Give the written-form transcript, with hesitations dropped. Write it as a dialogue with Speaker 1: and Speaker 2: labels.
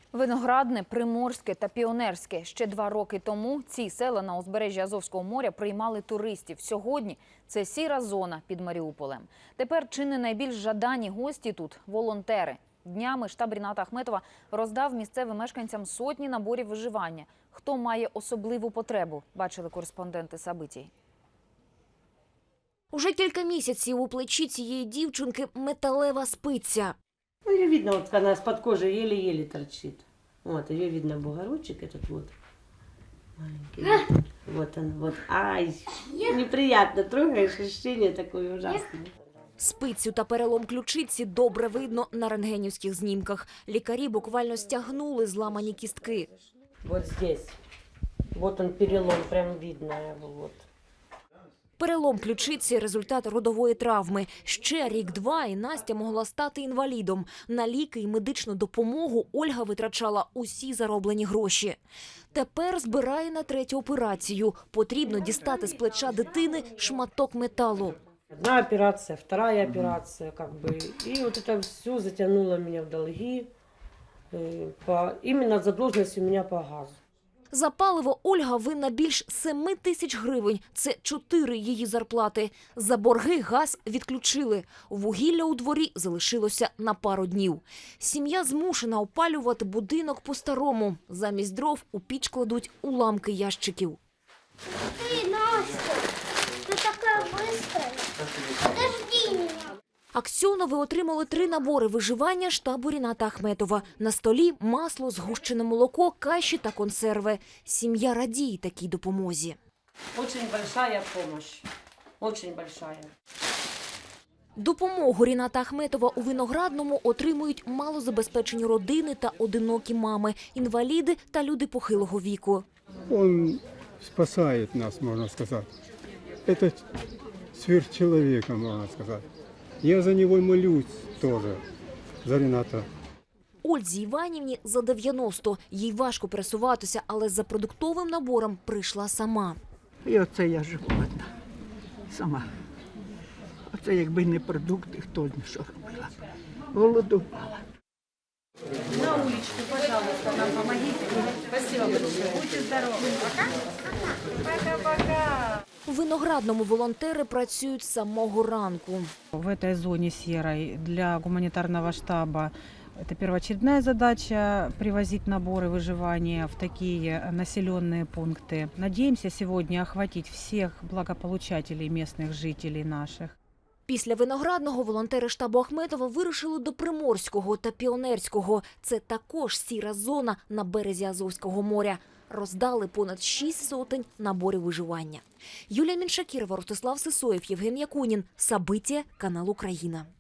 Speaker 1: Виноградне, Приморське та Піонерське. Ще 2 роки тому ці села на узбережжі Азовського моря приймали туристів. Сьогодні це сіра зона під Маріуполем. Тепер чи не найбільш жадані гості тут – волонтери. Днями штаб Ріната Ахметова роздав місцевим мешканцям сотні наборів виживання. Хто має особливу потребу, бачили кореспонденти Сабитій.
Speaker 2: Уже кілька місяців у плечі цієї дівчинки металева спиця.
Speaker 3: Ну, ее видно, вот она из-под кожи еле-еле торчит. Вот, ее видно бугорочек этот вот. Маленький. Вот он, вот. Ай, неприятно, трогаешь, ощущение такое ужасное.
Speaker 2: Спицю та перелом ключиці добре видно на рентгенівських знімках. Лікарі буквально стягнули зламані кістки.
Speaker 3: Вот здесь. Вот он перелом, прям видно его, вот.
Speaker 2: Перелом ключиці – результат родової травми. Ще рік-два і Настя могла стати інвалідом. На ліки і медичну допомогу Ольга витрачала усі зароблені гроші. Тепер збирає на 3-ю операцію. Потрібно дістати з плеча дитини шматок металу.
Speaker 3: Одна операция, вторая операция, как бы. И вот это все затянуло меня в долги. Именно задолженность у меня по газу.
Speaker 2: За паливо Ольга винна більш 7 тисяч гривень. Це 4 її зарплати. За борги газ відключили. Вугілля у дворі залишилося на пару днів. Сім'я змушена опалювати будинок по-старому. Замість дров у піч кладуть уламки ящиків.
Speaker 4: Ты, Настя, ты такая быстрая. Подожди меня.
Speaker 2: Аксьонови отримали 3 набори виживання штабу Ріната Ахметова. На столі масло, згущене молоко, каші та консерви. Сім'я радіє такій допомозі.
Speaker 3: Очень большая помощь. Очень большая.
Speaker 2: Допомогу Ріната Ахметова у Виноградному отримують малозабезпечені родини та одинокі мами, інваліди та люди похилого віку.
Speaker 5: Он спасает нас, можно сказать. Это сверхчеловека, можно сказать. Я за него молюсь тоже, за Рената.
Speaker 2: Ользі Іванівні за 90. Їй важко пересуватися, але за продуктовим набором прийшла сама.
Speaker 6: І оце я живу одна, сама. Оце якби не продукти, хто не що робила. Голодувала.
Speaker 3: На уличку, пожалуйста, нам помогите. Спасибо большое. Будьте здоровы. Пока. Пока-пока.
Speaker 2: У Виноградному волонтери працюють з самого ранку.
Speaker 7: В этой зоне серой для гуманитарного штаба это первоочередная задача – привозить наборы выживания в такие населенные пункты. Надеемся сегодня охватить всех благополучателей местных жителей наших.
Speaker 2: Після Виноградного волонтери штабу Ахметова вирушили до Приморського та Піонерського. Це також сіра зона на березі Азовського моря. Роздали понад 6 сотень наборів виживання. Юлія Міншакірова, Ростислав Сисоєв, Євген Якунін. Сабиття, канал Україна.